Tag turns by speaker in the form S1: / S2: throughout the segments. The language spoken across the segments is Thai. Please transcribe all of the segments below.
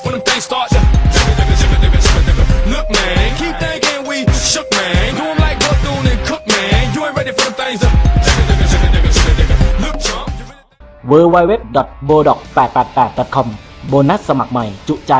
S1: when them things start. Look, man, keep thinking we shook, man. Do 'em like Bethune and Cook, man. You ain't ready for them things. Look, chump.
S2: www.bodoc888.com โบนัสสมัครใหม่จุใจ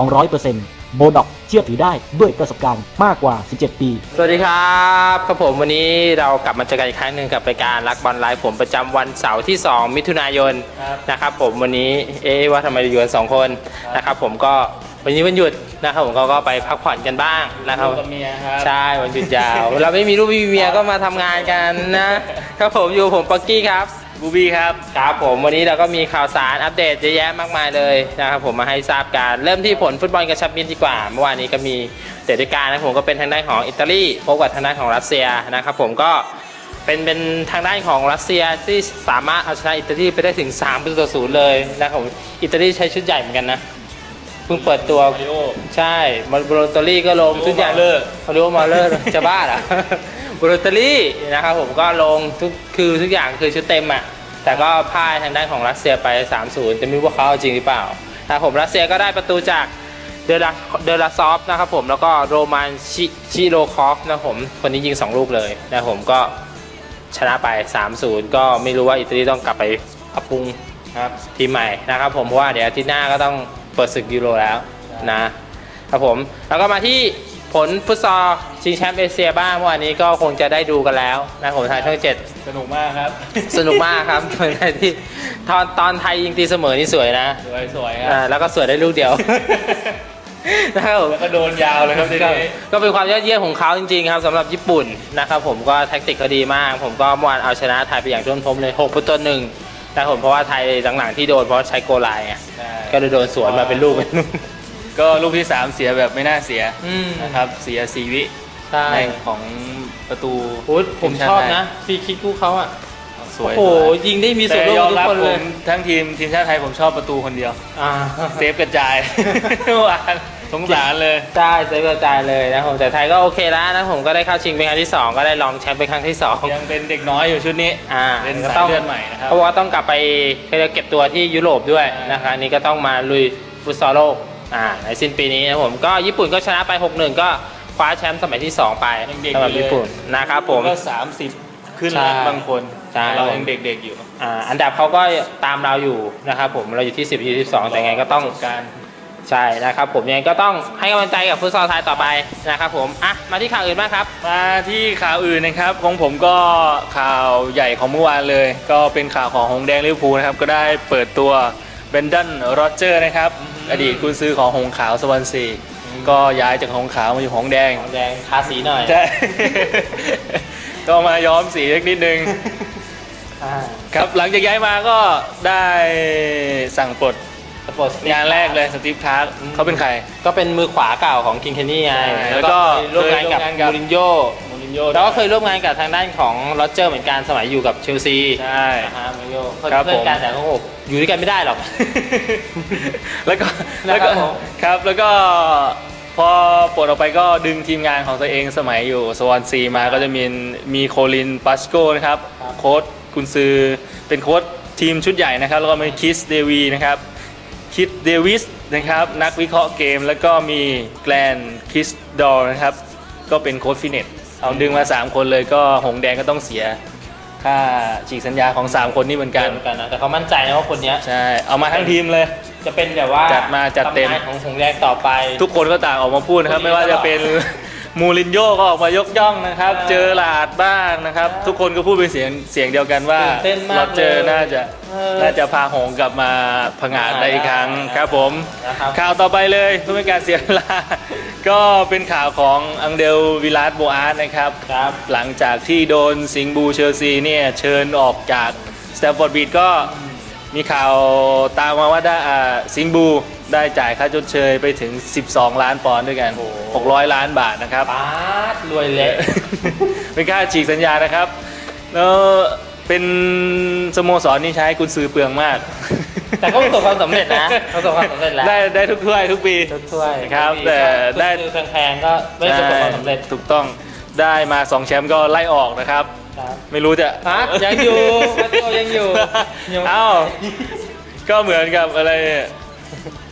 S2: 200% โบด็อกเชื่อถือได้ด้วยประสบการณ์มากกว่า 17 ปี
S3: สวัสดีครับครับผมวันนี้เรากลับมาเจอกันอีกครั้งหนึ่งกับรายการรักบอลไลฟ์ผมประจำวันเสาร์ที่ 2 มิถุนายนนะครับผมวันนี้ว่าทำไมอยู่กัน2 คนนะครับผมก็วันนี้วันหยุดนะครับผมก็ไปพักผ่อนกันบ้างนะครับใช่วันหยุดยาวเราไม่มีลูกไม่มีเมียก็มาทำงานกันนะครับผมอยู่ผมปักกี้ครับ
S4: บูบี้ครับ
S3: ครับผมวันนี้เราก็มีข่าวสารอัปเดตเยอะแยะมากมายเลยนะครับผมมาให้ทราบกันเริ่มที่ผลฟุตบอลกระชับมิตรดีกว่าเมื่อวานนี้ก็มีเตะด้วยกันนะผมก็เป็นทางด้านของอิตาลีพบกับทางด้านของรัสเซียนะครับผมก็เป็นทางด้านของรัสเซียที่สามารถเอาชนะอิตาลีไปได้ถึง3-0เลยนะครับผมอิตาลีใช้ชุดใหญ่เหมือนกันนะเพิ่งเปิดตัวใช่มาโบโลตอรี่ก็ลงชุดใหญ่เขาเรียกว่ามาเลอร์จะบ้าเหรอโบโลตอรี่นะครับผมก็ลงทุกอย่างคือชุดเต็มอ่ะแต่ก็พ่ายทางด้านของรัสเซียไป 3-0 แต่ไม่รู้ว่าเขาเอาจริงหรือเปล่านะครับผมรัสเซียก็ได้ประตูจากเดลาซอฟนะครับผมแล้วก็โรมานชิโรคอฟนะครับผมคนนี้ยิง2 ลูกเลยนะครับผมก็ชนะไป 3-0 ก็ไม่รู้ว่าอิตาลีต้องกลับไปปรับปรุงทีมใหม่นะครับผมเพราะว่าเดี๋ยวอาทิตย์หน้าก็ต้องเปิดศึกยูโรแล้วนะครับผมแล้วก็มาที่ผลฟุตซอลชิงแชมป์เอเชียบ้างเมื่อวานนี้ก็คงจะได้ดูกันแล้วนะผมทางช่อง7
S4: สนุกมากครับ
S3: สนุกมากครับที่ตอนไทยยิงตีเสมอนี่สวยนะ
S4: สวยครับ
S3: แล้วก็สวยได้ลูกเดียว
S4: นะครับแล้วก็โดนยาวเลยครับ
S3: ก็เป็นความยอดเยี่ยมของเขาจริงๆครับสำหรับญี่ปุ่นนะครับผมก็แท็กติกเขาดีมากผมก็เมื่อวานเอาชนะไทยไปอย่างท่วมท้นเลย6-1แต่ผมเพราะว่าไทยหลังๆที่โดนเพราะใช้โกไลน์ไงก็เลยโดนสวนมาเป็นลูก
S4: ก็ลูกที่3เสียแบบไม่น่าเสียนะครับเสีย4 วิในของประตู
S3: ผมชอบนะฟรีคิกคู่เขาอ่ะ
S4: สวย
S3: โอ้โหยิงได้มีส่วนร่วมทุกคนเลย
S4: ทั้งทีมชาติไทยผมชอบประตูคนเดียวเซฟกระจายเมื่อวานสงสารเลย
S3: ใช่เซฟกระจายเลยนะผมแต่ไทยก็โอเคแล้วนะผมก็ได้เข้าชิงเป็นครั้งที่2ก็ได้รองแชมป์เป็นครั้งที่2
S4: ยังเป็นเด็กน้อยอยู่ชุดนี้เป็นสายเลือดใหม่นะครับ
S3: เพราะว่าต้องกลับไปเก็บตัวที่ยุโรปด้วยนะครับนี่ก็ต้องมาลุยฟุตซอลโลกในสิ้นปีนี้นะผมก็ญี่ปุ่นก็ชนะไป 6-1 ก็คว้าแชมป์สมัยที่2ไปสำหรับญี่ปุ่นนะครับผม
S4: ก็30ขึ้นแล้วบางคนเรายังเด็กๆอยู่
S3: อันดับเขาก็ตามเราอยู่นะครับผมเราอยู่ที่10ที่12แต่ไงก็ต้องใช่นะครับผมยังไงก็ต้องให้กำลังใจกับฟุตซอลไทยต่อไปนะครับผมมาที่ข่าวอื่นบ้างครับ
S4: มาที่ข่าวอื่นนะครับของผมก็ข่าวใหญ่ของเมื่อวานเลยก็เป็นข่าวของหงส์แดงลิเวอร์พูลนะครับก็ได้เปิดตัวเบนดันโรเจอร์นะครับอดีตกุนซือของหงส์ขาวสวอนซีก็ย้ายจากหงส์ขาวมาอยู่หงส์แดง
S3: ทาสีหน่อย
S4: ใช่ก็มาย้อมสีเล็กนิดนึงครับหลังจากย้ายมาก็ได้สั่งปลดงานแรกเลยสตีฟคาร์กเขาเป็นใคร
S3: ก็เป็นมือขวาเก่าของคิงเคนนี่ไงแล้วก็ร่วมงานกับมูรินโญ่แล้วก็เคยร่วมงานกับทางด้านของโรเจอร์เหมือนกันสมัยอยู่กับเชลซี
S4: ใช่
S3: มูรินโญ่เพื่อนกันแต่เขาอยู่ด้วยกันไม่ได้หรอก
S4: แล้วก็ครับแล้วก็พอปลดออกไปก็ดึงทีมงานของตัวเองสมัยอยู่สวอนซีมาก็จะมีโคลินปัสโกนะครับโค้ชกุนซือเป็นโค้ชทีมชุดใหญ่นะครับแล้วก็มีคิสเดวีนะครับคิดเดวิสนะครับนักวิเคราะห์เกมแล้วก็มีแกลนคิสดอร์นะครับก็เป็นโค้ชฟิตเนสเอาดึงมา3 คนเลยก็หงแดงก็ต้องเสียค่าฉีกสัญญาของ3 คนนี้เหมือนกัน
S3: นะแต่เขามั่นใจนะว่าคนนี้
S4: ใช่เอามาทั้งทีมเลย
S3: จะเป็นแบบว่า
S4: จัดเต็ม
S3: ของหงแดงต่อไป
S4: ทุกคนก็ต่างออกมาพูดนะครับไม่ว่าจะเป็นมูรินโญ่ก็ออกมายกย่องนะครับเจอหลาดบ้างนะครับทุกคนก็พูดเป็นเสียงเดียวกันว่าเราเจอน่าจะพาหงกลับมาผงาดได้อีกครั้งครับผมข่าวต่อไปเลยเพื่อไม่การเสียเวลาก็เป็นข่าวของอังเดลวิลาสโบอาร์นะครับหลังจากที่โดนสิงห์บูเชลซีเนี่ยเชิญออกจากสแตมฟอร์ดบริดจ์ก็มีข่าวตามมาว่าได้สิงห์บูได้จ่ายค่าชดเชยไปถึง12 ล้านปอนด์ด้วยกัน600 ล้านบาทนะครับ
S3: รวยเละ
S4: เป็นค่าฉีกสัญญานะครับแล้วเป็นสโมสรนี่ใช้กุนซือเปลืองมาก
S3: แต่ก็ประสบความสำเร็จนะประสบความสำเร็จแล้ว
S4: ได้ทุกถ้วยทุกปี
S3: ถ้วย
S4: ครับแต่ได้
S3: แพงๆก็ไม่ประสบความสำเร็จ
S4: ถูกต้องได้มา2 แชมป์ก็ไล่ออกนะครับไม่รู้จะ
S3: ยังอยู่ยังอยู่
S4: เอ้าก็เหมือนกับอะไร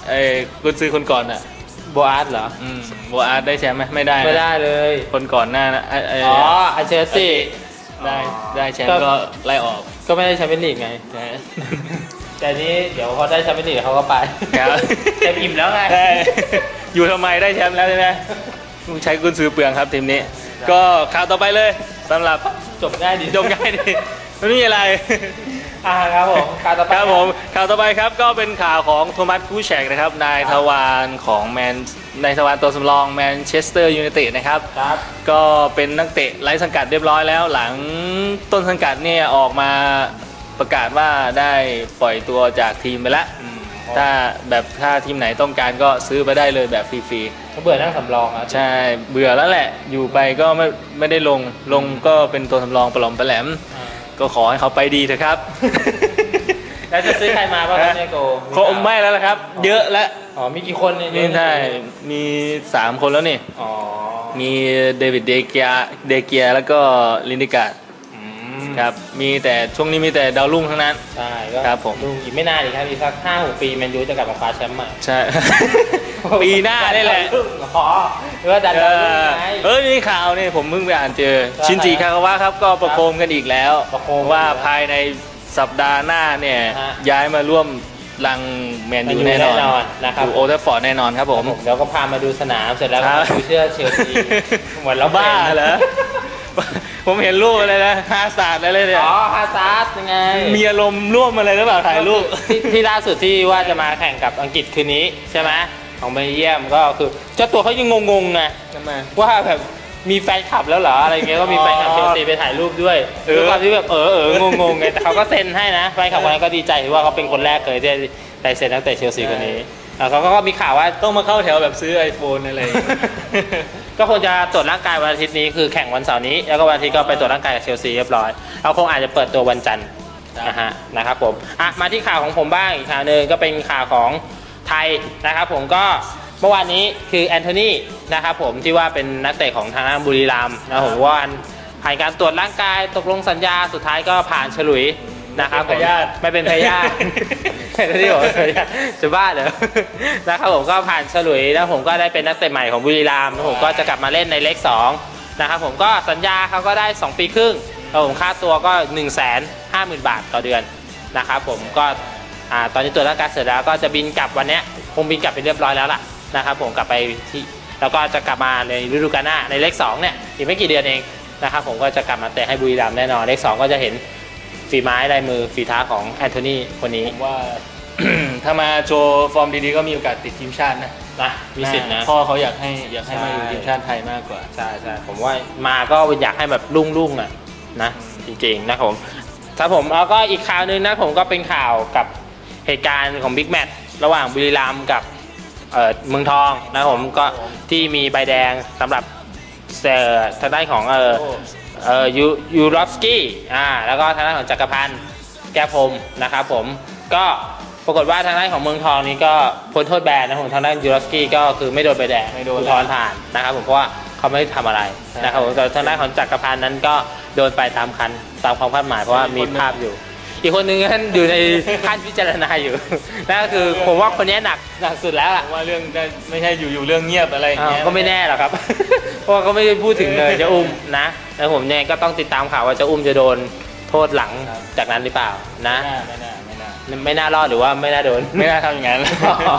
S4: กุนซือคนก่อนอ่ะ
S3: โบอาร์ตเหรอ
S4: โบอาร์ตได้แชมป์ไหมไม่ได้นะ
S3: ไม่ได้เลย
S4: คนก่อนหน้านะ
S3: อ๋ออาเชลซี
S4: ได้แชมป์ก็ไล่ออก
S3: ก็ไม่ได้แชมเปี้ยนลีกไง แต่นี้เดี๋ยวเขาได้แชมเปี้ยนลีกเขาก็ไป
S4: ครับ
S3: เต็มอิ่มแล้วไง
S4: ใช่อยู่ทำไมได้แชมป์แล้วใช่ไหมใช้กุนซือเปลืองครับทีมนี้ ก็ข่าวต่อไปเลยสำหรับ
S3: จบง่ายดี
S4: จบง่ายดีไม่มีอะไร
S3: ครับผมข่าวต่อไป
S4: ครับผมข่าวต่อไปครับก็เป็นข่าวของโทมัสคูแชกนะครับนายทวารของนายทวารตัวสำรองแมนเชสเตอร์ยูไนเต็ดนะครับ
S3: ครับ
S4: ก็เป็นนักเตะไร้สังกัดเรียบร้อยแล้วหลังต้นสังกัดเนี่ยออกมาประกาศว่าได้ปล่อยตัวจากทีมไปแล้วถ้าทีมไหนต้องการก็ซื้อไปได้เลยแบบฟรีๆ
S3: เขาเบื่อนั่งสำรองอ่ะ
S4: ใช่เบื่อแล้วแหละอยู่ไปก็ไม่ได้ลงก็เป็นตัวสำรองปลอมปแหลมก็ขอให้เขาไปดีเถอะครับ
S3: แล้วจะซื้อใครมาบ้างครับเนี่ยโก
S4: คงไม่แล้วละครับเยอะแล้ว
S3: อ๋อมีกี่คนเนี่ย
S4: นี่ใช่มี3 คนแล้วนี่
S3: อ๋อ
S4: มีเดวิดเดเกียแล้วก็ลินดิการ์ดครับมีแต่ช่วงนี้มีแต่ดาวรุ่งทั้งนั้น
S3: ใช่ก็
S4: ครับผม
S3: ดูอีกไม่นานอีกครับอีกสัก5-6 ปีแมนยูจะกลับมาคว้าแชมป์ใหม่
S4: ใช่ ปีหน้าได้แหละ
S3: อ๋อหรือว่าดันดาวรุ่งไง
S4: มีข่าวนี่ผมเพิ่งไปอ่านเจอ
S3: ใช่
S4: ชินจิคากาวะครับก็ประโคมกันอีกแล้ว
S3: ประโคม
S4: ว่าภายในสัปดาห์หน้าเนี่ย
S3: ฮะ
S4: ย้ายมาร่วมรังแมนยูแน่นอน
S3: นะครับ
S4: อยู่โอเทฟฟอร์ดแน่นอนครับผม
S3: เดี๋ยวก็พามาดูสนามเสร็จแล้วก็
S4: ครับ
S3: มาดูเสื้อเชลซีเหมือนเรา
S4: บ้าเหรอ ผมเห็นรูปอะไรนะฮาซาร์ดอะไรเนี่ย
S3: อ๋อฮาซาร์ดยังไง
S4: มีอารมณ์ร่วมอะไรหรือเปล่าถ่ายรูป
S3: ที่ล่าสุดที่ว่าจะมาแข่งกับอังกฤษคืนนี้ใช่ไหมของเบลเยียมก็คือเจ้าตัวเขายังงงๆไง
S4: ทำไม
S3: ว่าแบบมีแฟนคลับแล้วเหรออะไรเงี้ยก็มีแฟนคลับเชลซีไปถ่ายรูปด้วยด้วยความที่แบบงงๆไงแต่เขาก็เซ็นให้นะแฟนคลับคนนั้นก็ดีใจที่ว่าเขาเป็นคนแรกเลยที่ได้เซ็นนักเตะเชลซีคนนี้เขาก็มีข่าวว่า
S4: ต้องมาเข้าแถวแบบซื้อ iPhone อะไรอย่างเงี้ย
S3: ก็คงจะตรวจร่างกายวันอาทิตย์นี้คือแข่งวันเสาร์นี้แล้วก็วันอาทิตย์ก็ไปตรวจร่างกายกับเชลซีเรียบร้อยเราคงอาจจะเปิดตัววันจันทร์นะครับผมมาที่ข่าวของผมบ้างอีกข่าวหนึ่งก็เป็นข่าวของไทยนะครับผมก็เมื่อวานนี้คือแอนโทนีนะครับผมที่ว่าเป็นนักเตะของทางด้านบุรีรัมย์นะผมว่าผ่านการตรวจร่างกายตกลงสัญญาสุดท้ายก็ผ่านฉลุยนะครับผมไม่เป็นพยาธิที่บอกพยาธิจะบ้าเหรอนะครับผมก็ผ่านฉลุยแล้วผมก็ได้เป็นนักเตะใหม่ของบุรีรัมย์ผมก็จะกลับมาเล่นในเลข2นะครับผมก็สัญญาเขาก็ได้2 ปีครึ่งแล้วผมค่าตัวก็ 150,000 บาทต่อเดือนนะครับผมก็ตอนนี้ตรวจร่างกายเสร็จแล้วก็จะบินกลับวันนี้คงบินกลับไปเรียบร้อยแล้วล่ะนะครับผมกลับไปที่แล้วก็จะกลับมาในฤดูกาลหน้าในเลข2เนี่ยอีกไม่กี่เดือนเองนะครับผมก็จะกลับมาเตะให้บุรีรัมย์แน่นอนเลข2ก็จะเห็นฝีไม้ลายมือฝีเท้าของแอนโทนีคนนี้
S4: ผมว่า ถ้ามาโชว์ฟอร์มดีๆก็มีโอกาสติดทีมชาตินะ
S3: มีสิทธิ์นะ
S4: พ่อเขาอยากให้มาอยู่ทีมชาติไทยมากกว่า
S3: ใช่ผมว่ามาก็อยากให้แบบรุ่งๆนะจริงๆนะครับผมถ้าผมแล้วก็อีกข่าวนึงนะผมก็เป็นข่าวกับเหตุการณ์ของบิ๊กแมตช์ระหว่างบุรีรัมย์กับเมืองทองนะผมก็ที่มีใบแดงสำหรับทางด้านของยูรอฟสกี้แล้วก็ทางด้านของจักรพันธ์แก้วพรหมนะครับผมก็ปรากฏว่าทางด้านของเมืองทองนี้ก็พ้นโทษแบนนะผมทางด้านยูรอฟสกี้ก็คือไม่โดนใบแดงอุทธรณ์ผ่านนะครับผมเพราะว่าเขาไม่ได้ทำอะไรนะครับผมแต่ทางด้านของจักรพันธ์นั้นก็โดนไปตามความคาดหมายเพราะว่ามีภาพอยู่อีกคนนึงนั้นอยู่ในขั้นพิจารณาอยู่นั่นก็คือผมว่าคนนี้หนักสุดแล้วล่ะ
S4: ว่าเรื่องไม่ใช่อยู่เรื่องเงียบอะไรอย่างเงี้ย
S3: ก็ไม่แน่หรอกครับ เพราะว่าก็ไม่ได้พูดถึงเลยจะอุ้มนะแล้วผมเนี่ยก็ต้องติดตามข่าวว่าจะอุ้มจะโดนโทษหลังจากนั้นหรือเปล่านะไม่น่ารอดหรือว่าไม่น่าโดน
S4: ไม่น่าทำอย่างนั้น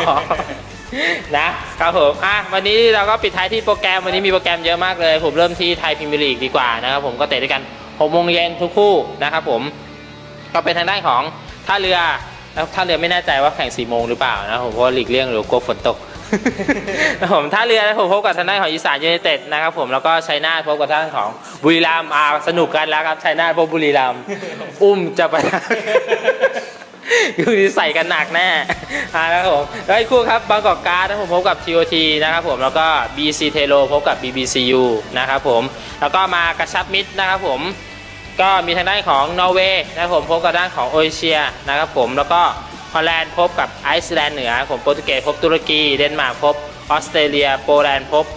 S3: นะครับผมวันนี้เราก็ปิดท้ายที่โปรแกรมวันนี้มีโปรแกรมเยอะมากเลยผมเริ่มที่ไทยพรีเมียร์ลีกดีกว่านะครับผมก็เตะด้วยกัน 6 โมงเย็นทุกคู่นะครับผมก็เป็นทางด้านของท่าเรือแล้วท่าเรือไม่แน่ใจว่าแข่ง 4 โมงหรือเปล่านะผมเพราะหลีกเลี่ยงหรือกลัวฝนตก ผมท่าเรือนะผมพบกับทางด้านของอีสานยูไนเต็ดนะครับผมแล้วก็ชัยนาทพบกับทางด้านของบุรีรัมย์สนุกกันแล้วครับชัยนาทพบบุรีรัมย์ อุ้มจะไป คือใส่กันหนักแน่นะครับผมแล้วอีกคู่ครับบางกอกการ์ดนะผมพบกับ TOT นะครับผมแล้วก็ BC เทโลพบกับ BBCU นะครับผมแล้วก็มากระชับมิตรนะครับผมก็มีทางด้านของนอร์เวย์นะครับผมพบกับด้านของโอเอเชียนะครับผมแล้วก็ฮอลแลนด์พบกับไอซ์แลนด์เหนือผมโปรตุเกสพบตุรกีเดนมาร์กพบออสเตรเลียโปแลนด์พบ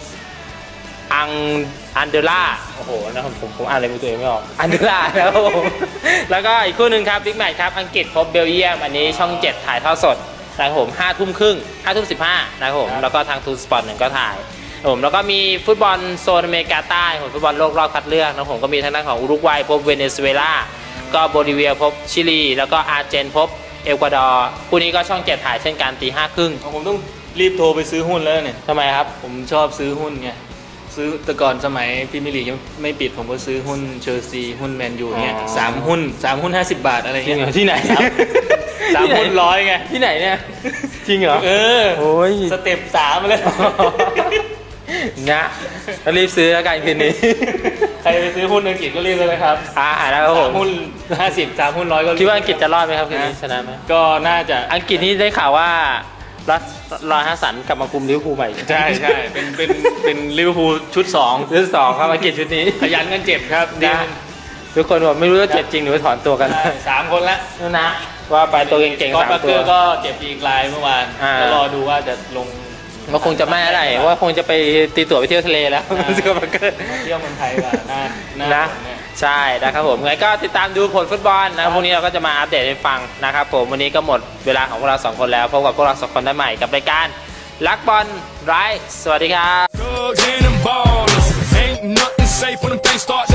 S3: อันเดล่าโอ้โหนะผมอ่านอะไรตัวเองไม่ออกอันเดล่านะครับผมแล้วก็อีกคู่หนึ่งครับบิ๊กแมตช์ครับอังกฤษพบเบลเยียมอันนี้ช่อง7ถ่ายทอดสดนะครับผม5 ทุ่มครึ่ง5 ทุ่ม 15นะครับผมแล้วก็ทางทูสปอร์ต1ก็ถ่ายผมแล้วก็มีฟุตบอลโซนอเมริกาใต้ฟุตบอลโลกรอบคัดเลือกนะผมก็มีทางด้านของอุรุกวัยพบเวเนซุเอลาก็โบลิเวียพบชิลีแล้วก็อาร์เจนพบเอกวาดอร์คู่นี้ก็ช่อง7ถ่ายเช่นกันตี 5:30
S4: ผมต้องรีบโทรไปซื้อหุ้นแล้วเนี่ย
S3: ทำไมครับ
S4: ผมชอบซื้อหุ้นไงซื้อแต่ก่อนสมัยพรีเมียร์ลีกยังไม่ปิดผมก็ซื้อหุ้นเชลซีหุ้นแมนยูเนี่ย3 หุ้น50 บาทอะไร
S3: จริ
S4: เงี้
S3: ง
S4: ย
S3: เหรอที่ไหน
S4: 3 หุ้น100ไง
S3: ที่ไหนเนี่ยจริงเหรอ
S4: เออ
S3: โอ้ย
S4: สเต็ป3มาเลย
S3: นะรีบซื้อแล้วกันคืนนี้
S4: ใครไปซื้อหุ้นอังกฤษก็รีบเลยนะครับ
S3: แล้วครับผม
S4: 3 หุ้น50 3 หุ้น100ก็
S3: คิดว่าอังกฤษจะรอดไหมครับคืนนี้ชนะไหม
S4: ก็น่าจะ
S3: อังกฤษนี่ได้ข่าวว่าลอยฮัสสันกลับมาคุมลิเวอร์พูลใหม่
S4: ใช่เป็นลิเวอร์พูลชุด2
S3: ชุด 2ครับอังกฤษชุดนี้
S4: ขยันกันเจ็บครับ
S3: นะทุกคนบอกไม่รู้ว่าเจ็บจริงหรือว่าถอนตัวกัน
S4: 3 คนละ
S3: นะว่าไปตัวเก่งๆ
S4: ก็
S3: 3
S4: ปาร์
S3: ตั
S4: เก
S3: ว
S4: อร์ก็เจ็บอีกรายเมื่อวานก็รอดูว่าจะลง
S3: ก็คงจะไม่อะไรว่าคงจะไปตีตั๋วไปเที่ยวทะเลแล้วสกอร์เกอร์
S4: เที่ยวเมืองไทยว่าน่า
S3: นะใช่นะครับผมไงก็ติดตามดูผลฟุตบอลนะพรุ่งนี้เราก็จะมาอัปเดตให้ฟังนะครับผมวันนี้ก็หมดเวลาของพวกเรา2 คนแล้วพบกับพวกเรา2 คนได้ใหม่กับรายการรักบอลไร้สวัสดีครับ
S1: Thugs and them ballers. Ain't nothing safe when them things start